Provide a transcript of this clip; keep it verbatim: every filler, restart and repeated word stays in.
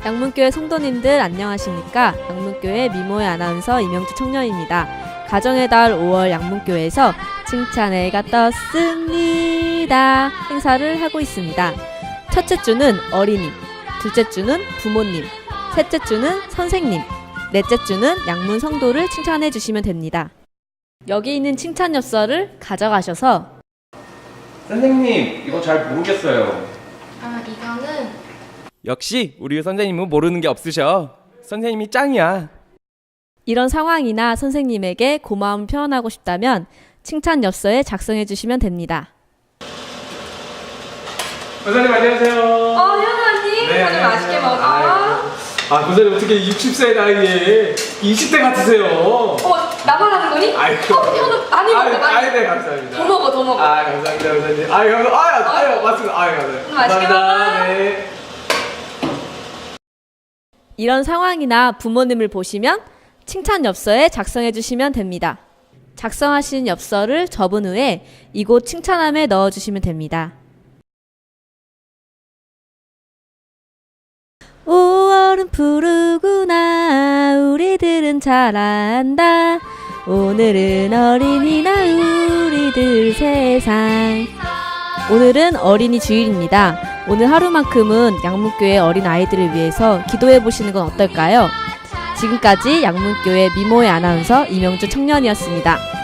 양문교회 성도님들 안녕하십니까? 양문교회 미모의 아나운서 이명주 청년입니다. 가정의 달 오월 양문교회에서 칭찬의 해가 떴습니다 행사를 하고 있습니다. 첫째 주는 어린이, 둘째 주는 부모님, 셋째 주는 선생님, 넷째 주는 양문 성도를 칭찬해 주시면 됩니다. 여기 있는 칭찬 엽서를 가져가셔서 선생님, 이거 잘 모르겠어요. 아, 이거는 역시 우리 선생님은 모르는 게 없으셔. 선생님이 짱이야. 이런 상황이나 선생님에게 고마움을 표현하고 싶다면 칭찬 엽서에 작성해 주시면 됩니다. 선생님 안녕하세요. 어, 현우님, 네, 오늘 맛있게 먹어. 아, 선생님 어떻게 육십 세 나이에 이십 대 같으세요? 어, 나만 하는 거니? 아이고. 어, 현우, 많이 먹어, 아유, 많이. 아유, 네, 감사합니다. 더 먹어, 더 먹어. 아, 감사합니다, 선생님. 아유, 감사합니다. 아유, 아유, 맞습니다. 아유, 감사합니다. 맛있게 감사합니다. 먹어. 네. 이런 상황이나 부모님을 보시면 칭찬 엽서에 작성해 주시면 됩니다. 작성하신 엽서를 접은 후에 이곳 칭찬함에 넣어 주시면 됩니다. 오월은 푸르구나 우리들은 잘 안다 오늘은 어린이날 우리들 세상. 오늘은 어린이 주일입니다. 오늘 하루만큼은 양문교회 어린 아이들을 위해서 기도해 보시는 건 어떨까요? 지금까지 양문교회 미모의 아나운서 이명주 청년이었습니다.